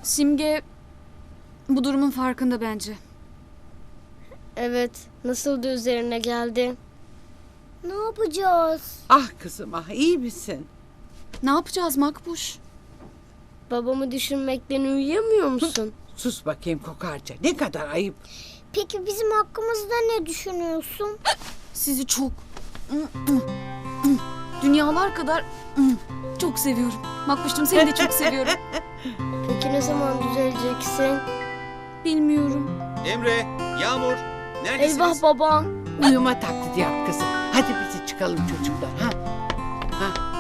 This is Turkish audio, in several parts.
Simge bu durumun farkında bence. Evet, nasıl da üzerine geldi. Ne yapacağız? Ah kızım ah, iyi misin? Ne yapacağız Makbuş? Babamı düşünmekten uyuyamıyor musun? Sus bakayım kokarca, ne kadar ayıp. Peki bizim hakkımızda ne düşünüyorsun? Sizi çok dünyalar kadar çok seviyorum. Makbuş'cum seni de çok seviyorum. Peki ne zaman düzeleceksin? Bilmiyorum. Emre, Yağmur, neredesiniz? Eyvah babam. Uyuma taklidi yap kızım. Hadi bizi çıkalım çocuklar. Ha?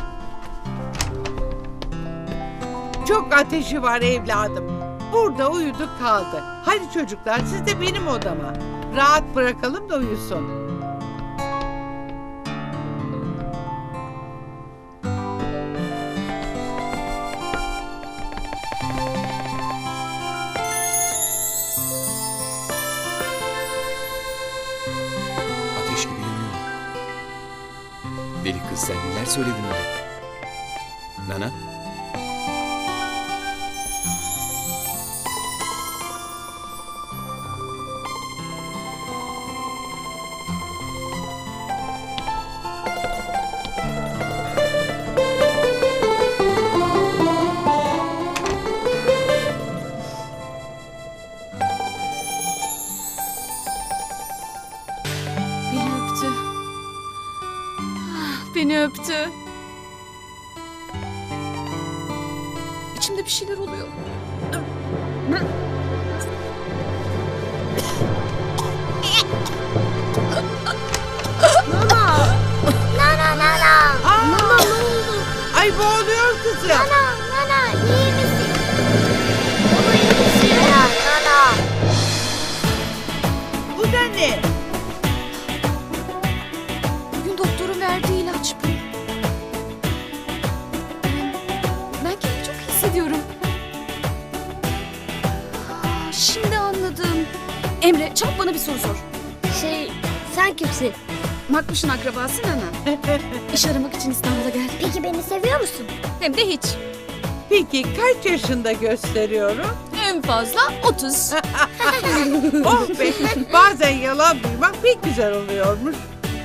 Çok ateşi var evladım. Burada uyudu kaldı. Hadi çocuklar siz de benim odama. Rahat bırakalım da uyusun. Ateş gibi yanıyor. Deli kız sen neler söyledin öyle? Nana? Beni öptü. Beni öptü. İçimde bir şeyler oluyor. Aa! Ay boğuluyor kızım. Nana iyi misin? Baba iyi misin? Nana. Bu da ne? Bugün doktorun verdiği ilaç bu. Ben kendimi çok iyi hissediyorum. Şimdi anladım. Emre çabuk bana bir soru sor. Sen kimsin? Makbuş'un akrabası Nana. İş aramak için İstanbul'a geldi. Peki beni seviyor musun? Hem de hiç. Peki kaç yaşında gösteriyorum? En fazla 30. Oh be, bazen yalan duymak pek güzel oluyormuş.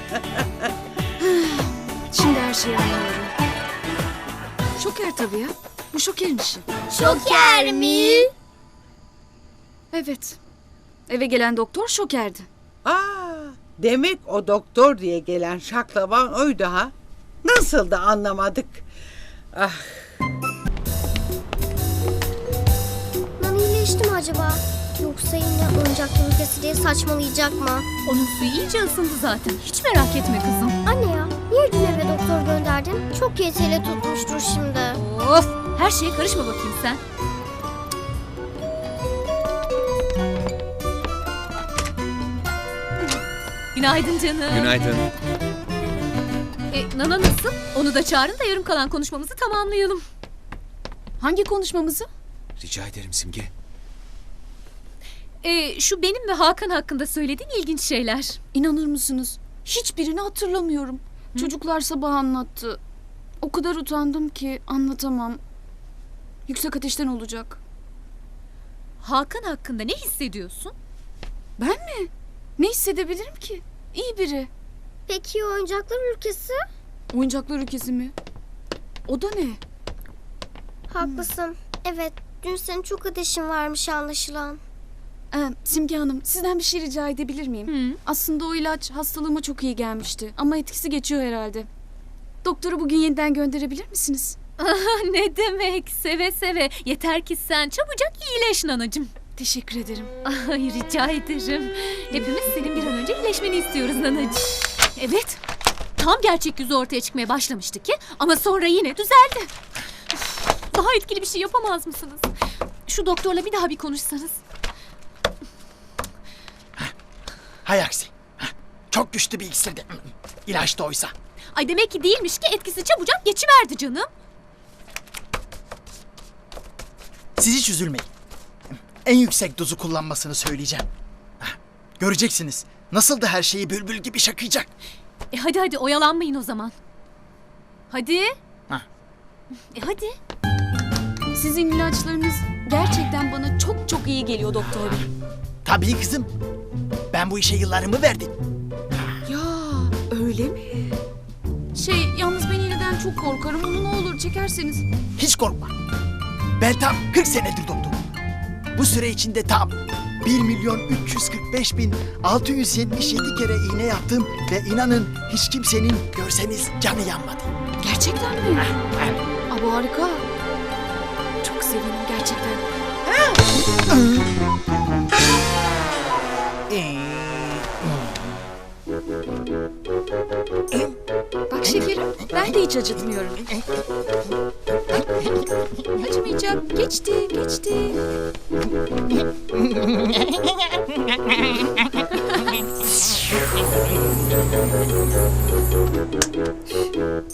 Şimdi her şeyi anlıyorum. Şoker tabii ya. Bu Şoker'in işi. Şoker mi? Evet. Eve gelen doktor Şoker'di. Aa, demek o doktor diye gelen şaklaban oydu ha? Nasıl da anlamadık. Ah, Nana iyileşti mi acaba? Yoksa yine oyuncak ülkesi diye saçmalayacak mı? Onun suyu iyice ısındı zaten. Hiç merak etme kızım. Anne ya, niye dün eve doktor gönderdin? Çok yeteli tutmuştur şimdi. Of! Her şeye karışma bakayım sen. Günaydın canım. Günaydın. Nana nasıl? Onu da çağırın da yarım kalan konuşmamızı tamamlayalım. Hangi konuşmamızı? Rica ederim Simge. Şu benim ve Hakan hakkında söylediğin ilginç şeyler. İnanır mısınız? Hiçbirini hatırlamıyorum. Çocuklar sabah anlattı. O kadar utandım ki anlatamam. Yüksek ateşten olacak. Hakan hakkında ne hissediyorsun? Ben mi? Ne hissedebilirim ki? İyi biri. Peki oyuncaklar ülkesi? Oyuncaklar ülkesi mi? O da ne? Haklısın. Evet, dün senin çok ateşin varmış anlaşılan. Simge Hanım, sizden bir şey rica edebilir miyim? Hı. Aslında o ilaç hastalığıma çok iyi gelmişti. Ama etkisi geçiyor herhalde. Doktoru bugün yeniden gönderebilir misiniz? Ne demek? Seve seve. Yeter ki sen çabucak iyileş nanacığım. Teşekkür ederim. Ay rica ederim. Hepimiz senin bir an önce iyileşmeni istiyoruz nanacığım. Evet. Tam gerçek yüzü ortaya çıkmaya başlamıştı ki ama sonra yine düzeldi. Üf, daha etkili bir şey yapamaz mısınız? Şu doktorla bir daha bir konuşsanız. Hay aksi. Çok güçlü bir iksirdi. İlaç da oysa. Ay demek ki değilmiş ki etkisi çabucak geçiverdi canım. Siz hiç üzülmeyin. En yüksek dozu kullanmasını söyleyeceğim. Göreceksiniz. Nasıl da her şeyi bülbül gibi şakıyacak. Hadi hadi oyalanmayın o zaman. Hadi. Ha. Hadi. Sizin ilaçlarınız gerçekten iyi geliyor doktor bey. Tabii kızım. Ben bu işe yıllarımı verdim. Ya öyle mi? Yalnız ben iğneden çok korkarım. Onu ne olur çekerseniz. Hiç korkma. Ben tam 40 senedir doktorum. Bu süre içinde tam 1.345.677 kere iğne yaptım ve inanın hiç kimsenin görseniz canı yanmadı. Gerçekten mi? Aa, bu harika. Çok sevindim gerçekten. Bak şekerim, ben de hiç acıtmıyorum. Acımayacak. Geçti, geçti.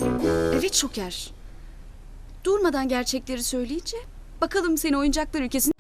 Evet Şoker. Durmadan gerçekleri söyleyince bakalım seni oyuncaklar ülkesine